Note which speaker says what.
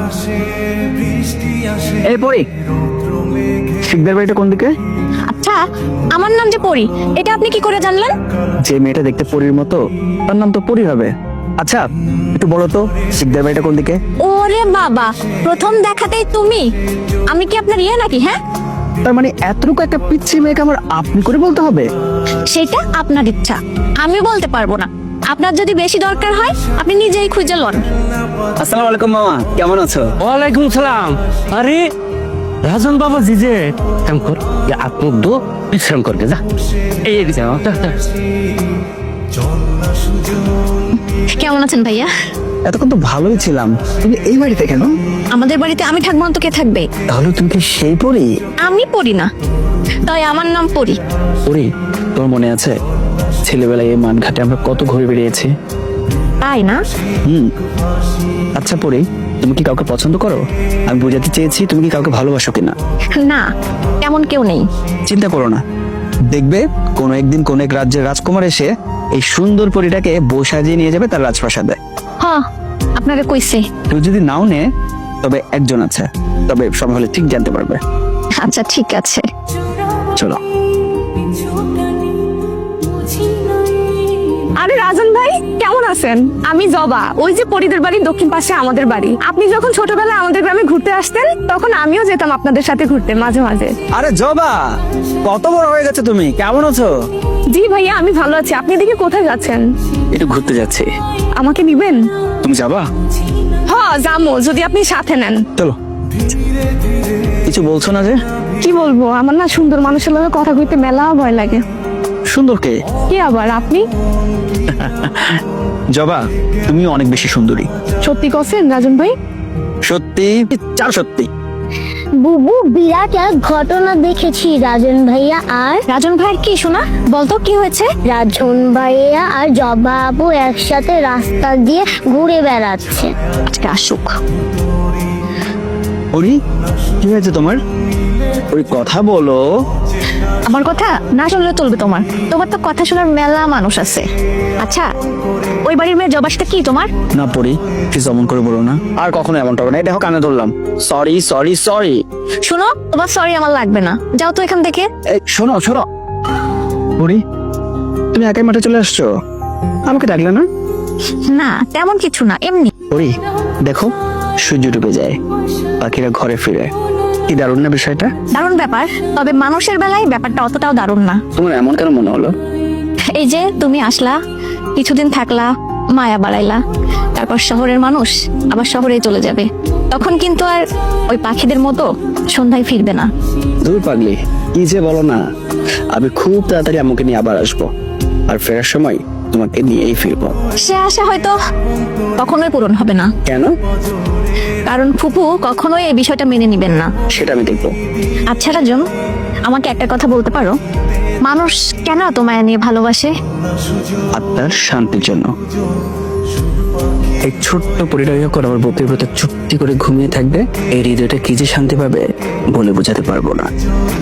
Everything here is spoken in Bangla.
Speaker 1: এই পরি, শিকদার বাড়িটা কোন দিকে?
Speaker 2: আচ্ছা, আমার নাম যে পরি, এটা আপনি কি করে জানলেন?
Speaker 1: যে মেয়েটা দেখতে পরীর মতো তার নাম তো পরি হবে। আচ্ছা একটু বলো তো, শিকদার বাড়িটা কোন দিকে?
Speaker 2: ওরে বাবা, প্রথম দেখাতেই তুমি! আমি কি আপনার ইয়ে নাকি? হ্যাঁ,
Speaker 1: তার মানে এতটুকু একটা পিচ্ছি মেয়েকে আমার আপনি করে বলতে হবে?
Speaker 2: সেটা আপনার ইচ্ছা, আমি বলতে পারবো না। আপনার যদি বেশি দরকার হয় আপনি নিজেই খুঁজে লন।
Speaker 1: আসসালামু আলাইকুম মামা, কেমন আছো?
Speaker 3: ওয়ালাইকুম সালাম। আরে রাজন বাবা জি যে কাম কর, আপনি দো বিশ্রাম করবে যা। এই যাও।
Speaker 2: কেমন আছেন ভাইয়া?
Speaker 1: এতক্ষণ তো ভালোই ছিলাম, তুমি এই বাড়িতে কেন?
Speaker 2: আমাদের বাড়িতে আমি থাকবো না তো কে থাকবে?
Speaker 1: তাহলে তুমি কি সেই পরি?
Speaker 2: আমি পড়ি না, তাই আমার নাম পরি।
Speaker 1: পরি, তোমার মনে আছে ছেলেবেলায় এই মানঘাটে আমরা কত ঘুরে বেরিয়েছি?
Speaker 2: তাই না?
Speaker 1: আচ্ছা পরি, তুমি কি কাউকে পছন্দ করো? আমি বোঝাতে চেয়েছি তুমি কি কাউকে ভালোবাসো কিনা।
Speaker 2: না, তেমন কেউ নেই।
Speaker 1: চিন্তা করো না, দেখবে কোনো একদিন কোন এক রাজ্যের রাজকুমার এসে এই সুন্দর পরিটাকে বউ সাজিয়ে নিয়ে যাবে তার রাজপ্রাসাদে।
Speaker 2: হ্যাঁ, আপনাকে কইছে।
Speaker 1: কেউ যদি নাও নে, তবে একজন আছে, তবে সময় হলে ঠিক জানতে পারবে।
Speaker 2: আচ্ছা ঠিক আছে,
Speaker 1: চলো।
Speaker 4: আরে রাজন ভাই, কেমন আছেন? আমি জবা, ওই যে পরিদের বাড়ির দক্ষিণ পাশে আমাদের বাড়ি। আপনি যখন ছোটবেলায় আমাদের গ্রামে ঘুরতে আসতেন তখন আমিও যেতাম আপনাদের সাথে ঘুরতে মাঝে মাঝে।
Speaker 1: আরে জবা, কত বড় হয়ে গেছে তুমি, কেমন আছো?
Speaker 4: জি ভাইয়া, আমি ভালো আছি। আপনি এদিকে কোথায় যাচ্ছেন?
Speaker 1: একটু ঘুরতে যাচ্ছি।
Speaker 4: আমাকে নিবেন?
Speaker 1: তুমি যাবা?
Speaker 4: হ্যাঁ যাবো, যদি আপনি সাথে নেন।
Speaker 1: চলো। কিছু বলছো না যে?
Speaker 4: কি বলবো, আমার না সুন্দর মানুষের লগে কথা কইতে মেলা ভয় লাগে।
Speaker 1: সুন্দর কে?
Speaker 4: কি আবার আপনি?
Speaker 1: জবা, তুমি অনেক বেশি সুন্দরী।
Speaker 4: সত্যি কছেন রাজন ভাই?
Speaker 1: সত্যি, চার সত্যি।
Speaker 5: বুবু, বিরাট এক ঘটনা দেখেছি রাজন ভাইয়া আর
Speaker 2: রাজন ভাইয়ের কি শোনা? বলতো কি হয়েছে?
Speaker 5: রাজন ভাইয়া আর জবা আপু একসাথে রাস্তা দিয়ে ঘুরে বেড়াচ্ছে।
Speaker 2: আজকে আসুক।
Speaker 1: পরি, কি হয়েছে তোমার? ওই কথা বলো।
Speaker 2: আমার কথা না শুনলে চলবে তোমার? তোমার তো কথা শোনার মেলা মানুষ আছে। আচ্ছা, ওই বাড়ির মেয়ে জবার সাথে কি তোমার?
Speaker 1: না পরি, প্লিজ অমন করে বলো না, আর কখনো এমনটা হবে না। এই দেখো কানে ধরলাম। Sorry sorry sorry.
Speaker 2: শোনো, তোমার সরি আমার লাগবে না, যাও তো এখান থেকে।
Speaker 1: শোনো শোনো পরি, তুমি একাই মাঠে চলে আসছো, আমাকে ডাকলে না?
Speaker 2: না তেমন কিছু না, এমনি।
Speaker 1: পরি দেখো, সূর্য ডুবে যায়, পাখিরা ঘরে ফিরে, কি দারুণ না বিষয়টা?
Speaker 2: দারুণ ব্যাপার, তবে মানুষের বেলায় ব্যাপারটা অতটাও দারুণ না।
Speaker 1: তোমার এমন কেন মনে হলো?
Speaker 2: এই যে তুমি আসলা, কিছুদিন থাকলা, মায়া বাড়াইলা, তারপর শহরের মানুষ আবার শহরেই চলে যাবে, তখন কিন্তু আর ওই পাখিদের মতো সন্ধ্যায় ফিরবে না।
Speaker 1: দূর পাগলি, কি যে বলো না। আমি খুব তাড়াতাড়ি আমাকে নিয়ে আবার আসবো, আর ফেরার সময় তোমাকে নিয়েই ফিরবো।
Speaker 2: সে আশা হয়তো কখনোই পূরণ হবে না,
Speaker 1: কেন?
Speaker 2: কারণ ফুপু কখনোই এই বিষয়টা মেনে নিবেন না।
Speaker 1: সেটা আমি দেখবো।
Speaker 2: আচ্ছা রাজন, আমাকে একটা কথা বলতে পারো, মানুষ কেন এত মায়া নিয়ে ভালোবাসে?
Speaker 1: আত্মার শান্তির জন্য। এই ছোট্ট পরিটা যখন আমার বুকের ভেতর চুপটি করে ঘুমিয়ে থাকবে, এই হৃদয়টা কি যে শান্তি পাবে বলে বোঝাতে পারবো না।